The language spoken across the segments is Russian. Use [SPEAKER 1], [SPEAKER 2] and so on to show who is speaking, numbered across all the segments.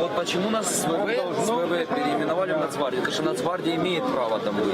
[SPEAKER 1] вот почему нас с ВВ переименовали в Нацгвардию, потому что Нацгвардия имеет право там быть.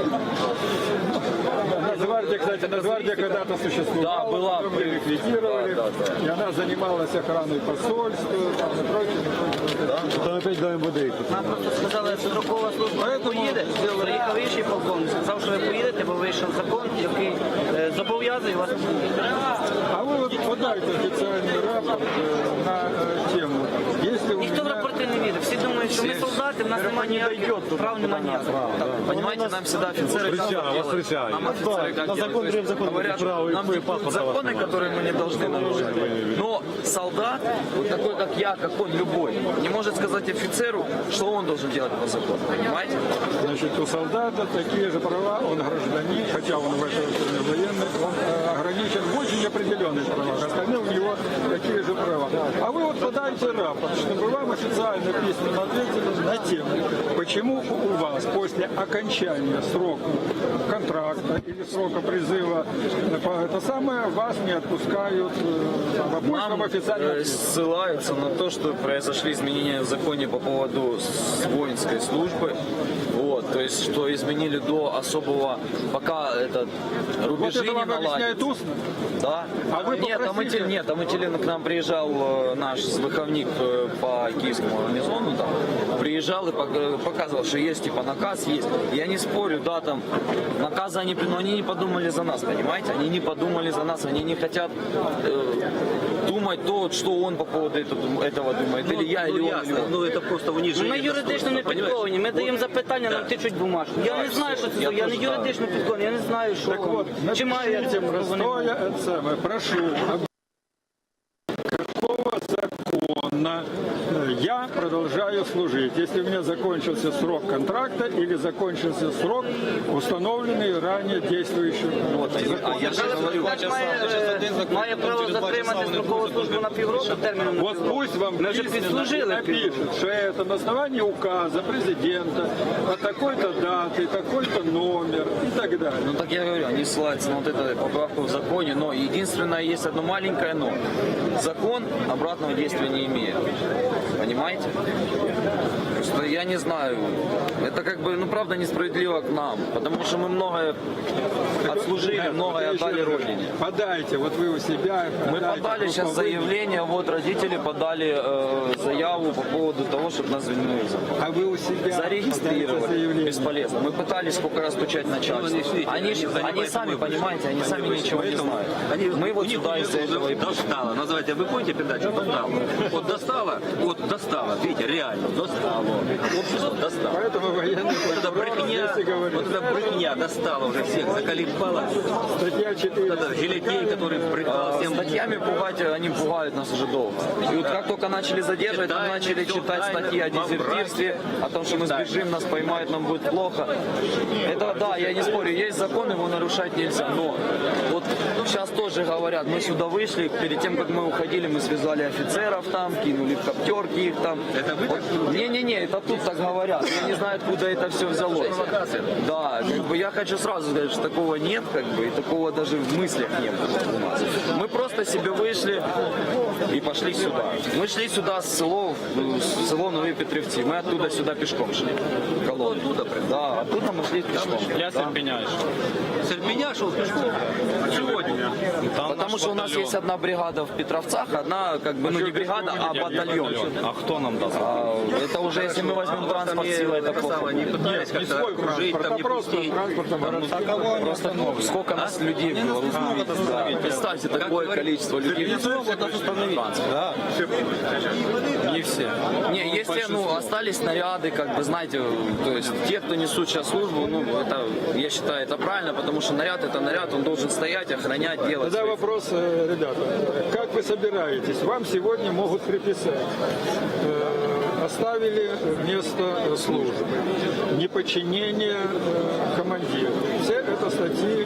[SPEAKER 2] Нацгвардия, кстати, Нацгвардия когда-то существовала,
[SPEAKER 1] Да, была.
[SPEAKER 2] мы ликвидировали, и она занималась охраной посольства, там, и прочее.
[SPEAKER 3] Там опять до МВД.
[SPEAKER 4] Нам просто сказали, що строкова служба не поїде. Приїхав інший полковник, сказав, що ви поїдете, бо вийшов закон, який зобов'язує вас.
[SPEAKER 2] А вы вот подайте официальный рапорт на тему. Если у
[SPEAKER 4] Ніхто в
[SPEAKER 2] меня...
[SPEAKER 4] рапорти не вірить. Всі думають, що ми солдати, в нас немає ніяких прав, немає ніяких.
[SPEAKER 1] Понимаете, нам всегда офицеры
[SPEAKER 3] Встречаю.
[SPEAKER 1] нам офицеры как
[SPEAKER 3] На закон
[SPEAKER 1] делают?
[SPEAKER 3] закон
[SPEAKER 1] Говорят, нам диктуют законы, которые мы не должны нарушать. Но солдат, вот такой как я, как он, любой, не может сказать офицеру, что он должен делать по закону. Понимаете?
[SPEAKER 2] Значит, у солдата такие же права, он гражданин, хотя он в это время военный, он ограничен в очень определенных правах, остальные у него такие же права. А вы вот подайте рапорт, чтобы вам официально письменно ответили на тему, почему у вас после окончания срока контракта или срока призыва по это самое вас не отпускают в обычном официальном письме.
[SPEAKER 1] Ссылаются на то, что произошли изменения в законе по поводу воинской службы. Вот, то есть, что изменили до особого, пока этот
[SPEAKER 2] Вот
[SPEAKER 1] рубежи
[SPEAKER 2] это
[SPEAKER 1] не
[SPEAKER 2] вам
[SPEAKER 1] наладятся.
[SPEAKER 2] объясняет устно?
[SPEAKER 1] Да.
[SPEAKER 2] А вы
[SPEAKER 1] нет, там к нам приезжал наш выховник по киевскому гарнизону, там, приезжал и показывал, что есть типа наказ, есть. Я не спорю, да, там наказы но они не подумали за нас, понимаете? Они не подумали за нас, они не хотят думать то, что он по поводу этого думает, или я, или он, или он.
[SPEAKER 5] Ну это просто унижение.
[SPEAKER 4] Ми юридично не підковані, ми даємо запитання, нам тичуть бумажку. Я не знаю, що це, я не юридично підкований, я не знаю, що,
[SPEAKER 2] Так вот,
[SPEAKER 4] чи маю я
[SPEAKER 2] напишите
[SPEAKER 4] це право, не маю.
[SPEAKER 2] простое, это самое, прошу, какого закона я продолжаю служить, если у меня закончился срок контракта или закончился срок, установленный ранее действующим законом.
[SPEAKER 1] Я же говорю,
[SPEAKER 4] Має право затримати строкову службу на півроку терміном. на
[SPEAKER 2] Вот
[SPEAKER 4] півроку.
[SPEAKER 2] пусть вам
[SPEAKER 4] Ми вже
[SPEAKER 2] письменно
[SPEAKER 4] підслужили
[SPEAKER 2] напишут, что это на основании указа президента от такой-то даты, такой-то номер и так далее.
[SPEAKER 1] ну так я говорю, они ссылаются на вот эту поправку в законе, но единственное, есть одно маленькое но. Закон обратного действия не имеет. Понимаете? Просто я не знаю. Это как бы, ну правда, несправедливо к нам. Потому что мы многое отслужили, многое отдали Родине.
[SPEAKER 2] Подайте, вот вы у себя.
[SPEAKER 1] Мы
[SPEAKER 2] подайте,
[SPEAKER 1] подали сейчас
[SPEAKER 2] руководитель.
[SPEAKER 1] заявление, вот родители подали заяву по поводу того, чтобы нас звільнили.
[SPEAKER 2] А вы у себя
[SPEAKER 1] Зарегистрировали.
[SPEAKER 2] подаете заявление.
[SPEAKER 1] Бесполезно. Мы пытались сколько раз стучать начальство. Они сами, понимаете, они сами ничего не знают. Мы вот сюда из-за этого и пришли.
[SPEAKER 5] Достало. Называйте, вы помните передачу? Достало. Вот достало. Видите, реально, достало. Общество достало.
[SPEAKER 2] Поэтому военный
[SPEAKER 5] Вот эта брехня,
[SPEAKER 2] здесь и говорит.
[SPEAKER 5] вот эта брехня достала уже всех, заколебала.
[SPEAKER 2] Статья 4.
[SPEAKER 5] Вот это жилетей, который брехал всем.
[SPEAKER 1] Статьями пугать, они пугают нас уже долго. И вот как только начали задерживать, нам начали читать статьи о дезертирстве, о том, что мы сбежим, нас поймают, нам будет плохо. Это да, я не спорю, есть закон, его нарушать нельзя. Но вот сейчас тоже говорят, мы сюда вышли, перед тем, как мы уходили, мы связали офицеров там, кинули в коптерки их там.
[SPEAKER 5] Это вы так?
[SPEAKER 1] Не-не-не, это тут так говорят. Я не знаю, откуда это все взялось. Да, как бы я хочу сразу сказать, что такого нет, как бы, и такого даже в мыслях не было у нас. Мы просто себе вышли и пошли сюда. Мы шли сюда с село Новые Петрівці. Мы оттуда сюда пешком шли. Оттуда? Да, оттуда мы шли пешком.
[SPEAKER 6] Я Серпеня.
[SPEAKER 5] Серпеня шел пешком. Сегодня.
[SPEAKER 1] Потому что у нас есть одна бригада в Петровцах, одна, как бы, ну не бригада, а батальон.
[SPEAKER 6] А кто нам даст?
[SPEAKER 1] Это уже, если мы возьмем транспорт силой, это плохо.
[SPEAKER 5] Они пытались как-то окружить, там не пустить.
[SPEAKER 1] Просто сколько нас людей было, вы знаете. Представьте, такое количество людей.
[SPEAKER 6] Да. Не все.
[SPEAKER 1] Не, если, остались снаряды, как бы, знаете, то есть те, кто несут сейчас службу, это, я считаю, это правильно, потому что наряд это наряд, он должен стоять, охранять, делать.
[SPEAKER 2] Тогда вопрос, ребята, как вы собираетесь? Вам сегодня могут приписать. Оставили место службы, неподчинение командиру. Все это статьи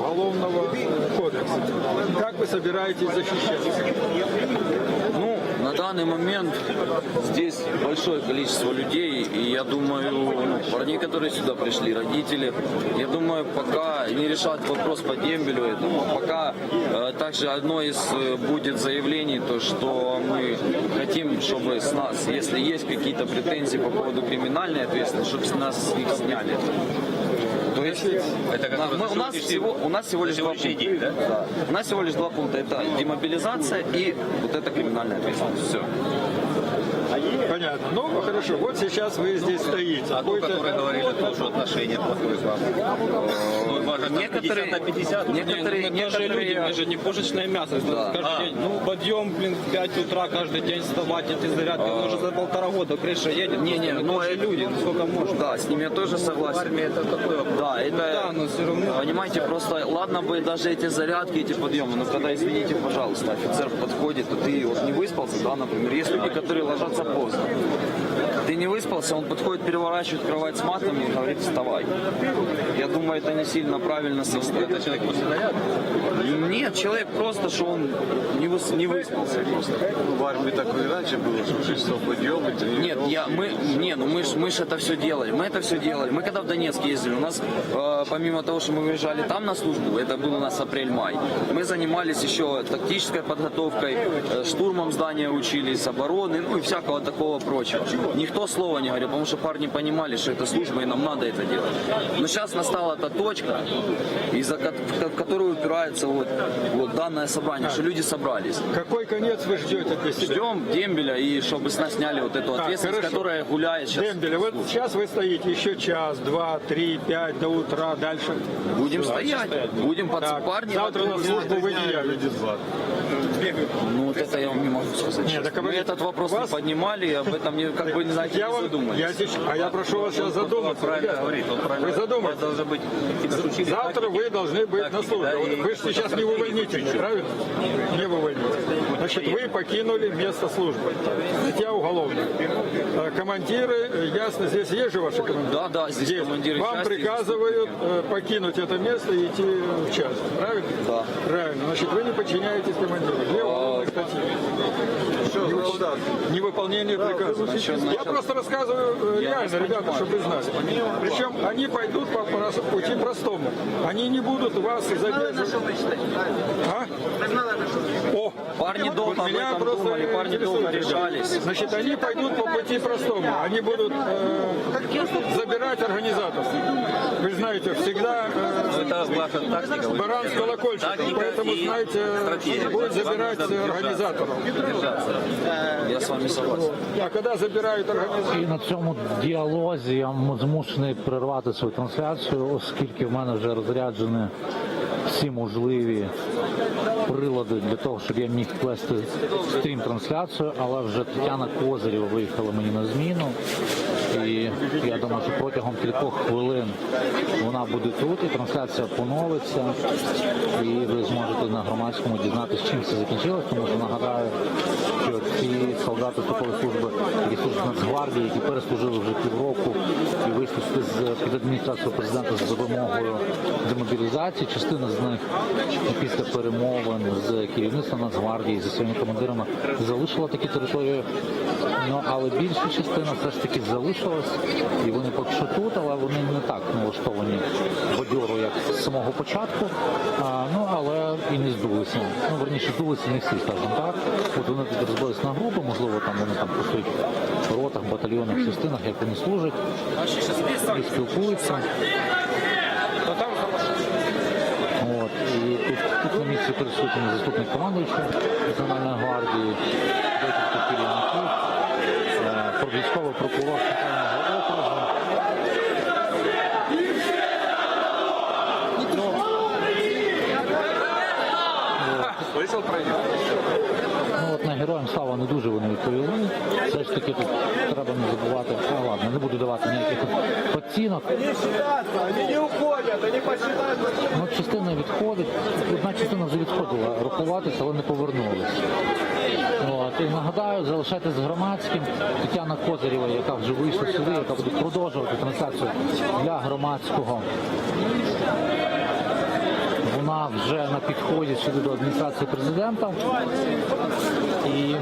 [SPEAKER 2] Уголовного кодекса. Как вы собираетесь защищаться?
[SPEAKER 1] Ну, На данный момент здесь большое количество людей, и я думаю, парни, которые сюда пришли, родители, я думаю, пока не решат вопрос по дембелю этому, пока также одно из будет заявлений, то что мы хотим, чтобы с нас, если есть какие-то претензии по поводу криминальной ответственности, чтобы с нас их сняли. То есть
[SPEAKER 5] Это который
[SPEAKER 1] у нас всего лишь два
[SPEAKER 5] сегодняшний
[SPEAKER 1] пункта.
[SPEAKER 5] день, да?
[SPEAKER 1] Да. У нас всего лишь два пункта. Это демобилизация и вот эта криминальная ответственность. Все.
[SPEAKER 2] Понятно. Ну, хорошо, вот сейчас вы здесь стоите.
[SPEAKER 5] А то,
[SPEAKER 2] Будете-
[SPEAKER 5] которые говорили, что отношения плохое с вами. Ну, важно, там 50 на 50.
[SPEAKER 1] Некоторые
[SPEAKER 6] Мы тоже люди, мы же не пушечное мясо. Каждый день, подъем, 5 утра каждый день вставать, эти зарядки. Мы уже за 1,5 года крыша едет.
[SPEAKER 1] Не,
[SPEAKER 6] мы
[SPEAKER 1] ну
[SPEAKER 6] тоже
[SPEAKER 1] это-
[SPEAKER 6] люди, сколько можно.
[SPEAKER 1] Да, с ними я тоже согласен.
[SPEAKER 5] Это такой вопрос.
[SPEAKER 1] Да, это,
[SPEAKER 6] Да, но все равно.
[SPEAKER 1] понимаете, просто ладно бы даже эти зарядки, эти подъемы, но когда, извините, пожалуйста, офицер подходит, то ты вот не выспался, да, например, есть люди, которые ложатся поздно. Ты не выспался, он подходит, переворачивает кровать с матами и говорит, вставай. Я думаю, это не сильно правильно со стороны.
[SPEAKER 5] Это человек после наряда?
[SPEAKER 1] Нет, человек просто, что он не выспался просто.
[SPEAKER 3] В армии так и раньше было, что 6 часов подъем, и тренировки.
[SPEAKER 1] Нет, мы ж это все делали. Мы это все делали. Мы когда в Донецк ездили, у нас помимо того, что мы выезжали там на службу, это был у нас апрель-май, мы занимались еще тактической подготовкой, штурмом здания учились, обороны, ну и всякого такого прочего. Никто слова не говорил, потому что парни понимали, что это служба и нам надо это делать. Но сейчас настала та точка, в которую упирается вот данное собрание, что люди собрались.
[SPEAKER 2] Какой конец вы ждете для себя?
[SPEAKER 1] Ждем дембеля и чтобы с нас сняли вот эту ответственность,
[SPEAKER 2] хорошо.
[SPEAKER 1] которая гуляет сейчас.
[SPEAKER 2] Дембеля, вот сейчас вы стоите еще час, 2, 3, 5 до утра, дальше.
[SPEAKER 1] Будем стоять, будем
[SPEAKER 2] Так,
[SPEAKER 1] парни.
[SPEAKER 2] завтра на службу вы не явитесь.
[SPEAKER 1] Ну вот это я вам не могу сказать.
[SPEAKER 2] Нет, так
[SPEAKER 1] Мы
[SPEAKER 2] вы-
[SPEAKER 1] этот вопрос
[SPEAKER 2] вас-
[SPEAKER 1] не поднимали, и об этом как бы не знаете,
[SPEAKER 2] Я
[SPEAKER 1] не
[SPEAKER 2] вам,
[SPEAKER 1] задумались.
[SPEAKER 2] я прошу вас сейчас задуматься.
[SPEAKER 5] Правильно
[SPEAKER 2] ребята.
[SPEAKER 5] говорит, он правильно.
[SPEAKER 2] Вы задумайтесь.
[SPEAKER 5] Должны быть какие-то учили.
[SPEAKER 2] Завтра вы должны быть на службе.
[SPEAKER 5] да,
[SPEAKER 2] Вот
[SPEAKER 5] и-
[SPEAKER 2] вы же сейчас не в увольнительной, правильно? Не в увольнительной. Значит, вы покинули место службы. Статья уголовная. Командиры, ясно, здесь есть же ваши командиры?
[SPEAKER 1] Да, здесь
[SPEAKER 2] Есть.
[SPEAKER 1] командиры
[SPEAKER 2] Вам
[SPEAKER 1] части,
[SPEAKER 2] приказывают покинуть это место и идти в часть, правильно?
[SPEAKER 1] Да.
[SPEAKER 2] Правильно. Значит, вы не подчиняетесь командиру. Где уголовная статья? Невыполнение приказа. Я просто рассказываю реально, ребята, чтобы вы знали. Причем они пойдут по пути простому. Они не будут вас задерживать. А? О,
[SPEAKER 1] Парни долго об
[SPEAKER 2] меня
[SPEAKER 1] этом
[SPEAKER 2] просто
[SPEAKER 1] думали, парни долго
[SPEAKER 2] интересует, ребята.
[SPEAKER 1] решались.
[SPEAKER 2] Значит, они пойдут по пути простому. Они будут забирать организаторов. Вы знаете, всегда
[SPEAKER 5] Это ваша тактика. вы
[SPEAKER 2] баран с колокольчиком,
[SPEAKER 5] Тактика
[SPEAKER 2] поэтому,
[SPEAKER 5] и
[SPEAKER 2] знаете,
[SPEAKER 5] стратегия.
[SPEAKER 2] будет забирать
[SPEAKER 5] Вам надо
[SPEAKER 2] организаторов.
[SPEAKER 1] Я с вами согласен.
[SPEAKER 2] А когда забирають організацію?
[SPEAKER 7] І на цьому діалозі я змушений перервати свою трансляцію, оскільки в мене вже розряджені всі можливі прилади для того, щоб я міг вести стрім-трансляцію, але вже Тетяна Козирєва виїхала мені на зміну. І я думаю, що протягом кількох хвилин вона буде тут, і трансляція поновиться, і ви зможете на громадському дізнатися, чим це закінчилось, тому що нагадаю, що ці солдати строкової служби, які служать в Нацгвардії, які переслужили вже півроку і вийшли під адміністрацію президента з вимогою демобілізації, частина з них після перемовин з керівництвом Нацгвардії, зі своїми командирами залишила такі території, але більша частина все ж таки залишилась, і вони поки що тут, але вони не так налаштовані бадьоро, як з самого початку, але і не здулися. Верніше, здулися не всі, скажімо так. От вони тут розбилися на групи, можливо, там вони там працюють в ротах, батальйонах, частинах, як вони служать, і спілкуються. От, і тут на місці присутній заступник командуючого Національної гвардії, декілька керівників, військовий прокурор Центрального округу. От на героям слава не дуже вони відповіли. Все ж таки тут треба не забувати. Ладно, не буду давати ніяких оцінок. Частина відходить. Одна частина вже відходила рахуватися, але не повернулася. І нагадаю, залишайтесь з громадським. Тетяна Козирєва, яка вже вийшла сюди, яка буде продовжувати трансляцію для громадського. Вона вона вже на підході сюди до адміністрації президента. І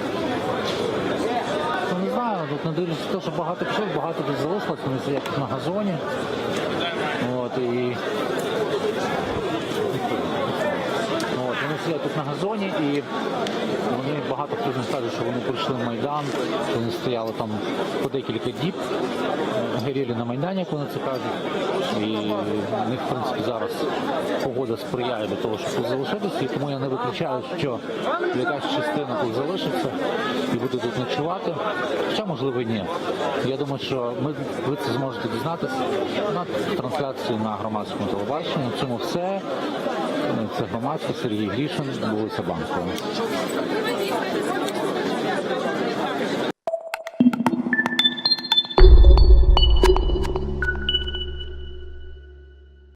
[SPEAKER 7] ну, не знаю, тут не дивлячись на те, що багато пішов, багато тут залишилось, вони сидять тут на газоні. От, і вони сидять тут на газоні, і вони багато хто з них каже, що вони прийшли в Майдан, що вони стояли там по декілька діб, горіли на Майдані, як вони це кажуть. І в них, в принципі, зараз погода сприяє до того, щоб тут залишитися, і тому я не виключаю, що якась частина тут залишиться і буде тут ночувати. Хоча, можливо, і ні. Я думаю, що ви це зможете дізнатися на трансляції на громадському телебаченні. На цьому все. Це громадське, Сергій Грішин, вулиця Банкова.